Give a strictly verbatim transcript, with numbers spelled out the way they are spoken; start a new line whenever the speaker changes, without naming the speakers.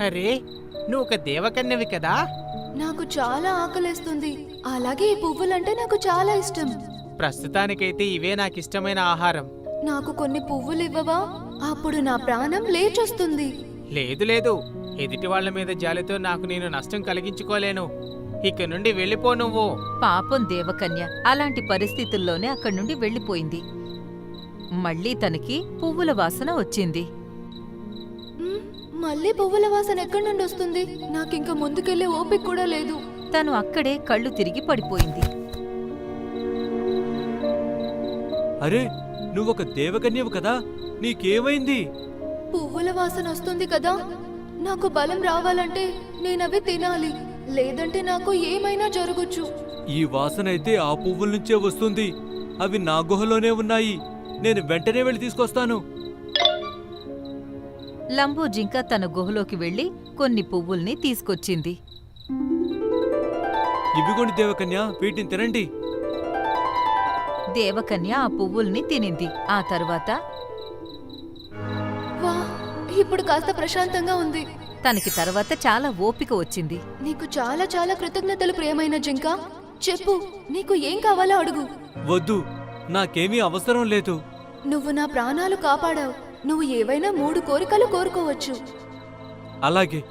అరే, నువ్వు ఒక దేవకన్యవి కదా?
నాకు చాలా ఆకలేస్తుంది. అలాగే ఈ పువ్వులంటే నాకు చాలా ఇష్టం.
ప్రస్తుతానికైతే ఇవే నాకిష్టమైన ఆహారం.
నాకు కొన్ని పువ్వులు ఇవ్వవా? అప్పుడు నా ప్రాణం లేచొస్తుంది.
లేదు లేదు, ఎదుటి వాళ్ల మీద జాలితో నాకు నేను నష్టం కలిగించుకోలేను. ఇక నుండి వెళ్ళిపో నువ్వు.
పాపం దేవకన్య అలాంటి పరిస్థితుల్లోనే అక్కడి నుండి వెళ్ళిపోయింది. మళ్ళీ తనకి పువ్వుల వాసన వచ్చింది.
మ్, మళ్ళీ పువ్వుల వాసన ఎక్కడి నుండి వస్తుంది? నాకింక ముందుకెళ్లే ఓపిక కూడా లేదు.
తను అక్కడే కళ్ళు తిరిగి పడిపోయింది.
అరే, నువ్వొక దేవకన్యవు కదా, నీకేమైంది?
పువ్వుల వాసన వస్తుంది కదా, నాకు బలం రావాలంటే నేనవి తినాలి, లేదంటే నాకు ఏమైనా జరగచ్చు.
ఈ వాసనైతే ఆ పువ్వుల నుంచే వస్తుంది. అవి నా గుహలోనే ఉన్నాయి. నేను వెంటనే వెళ్ళి తీసుకొస్తాను.
లంబూ జింక తన గుహలోకి వెళ్లి కొన్ని పువ్వుల్ని తీసుకొచ్చింది.
ఇవిగోండి దేవకన్య, వీటిని తినండి.
దేవకన్య ఆ పువ్వుల్ని తినింది. ఆ తర్వాత
వా, ఇప్పుడు కాస్త ప్రశాంతంగా ఉంది.
తనకి తర్వాత చాలా ఓపిక వచ్చింది.
నీకు చాలా చాలా కృతజ్ఞతలు ప్రియమైన జింక. చెప్పు, నీకు ఏం కావాలో అడుగు.
వద్దు, నాకేమీ అవసరం లేదు.
నువ్వు నా ప్రాణాలు కాపాడావు. నువ్వు ఏవైనా మూడు కోరికలు కోరుకోవచ్చు.
అలాగే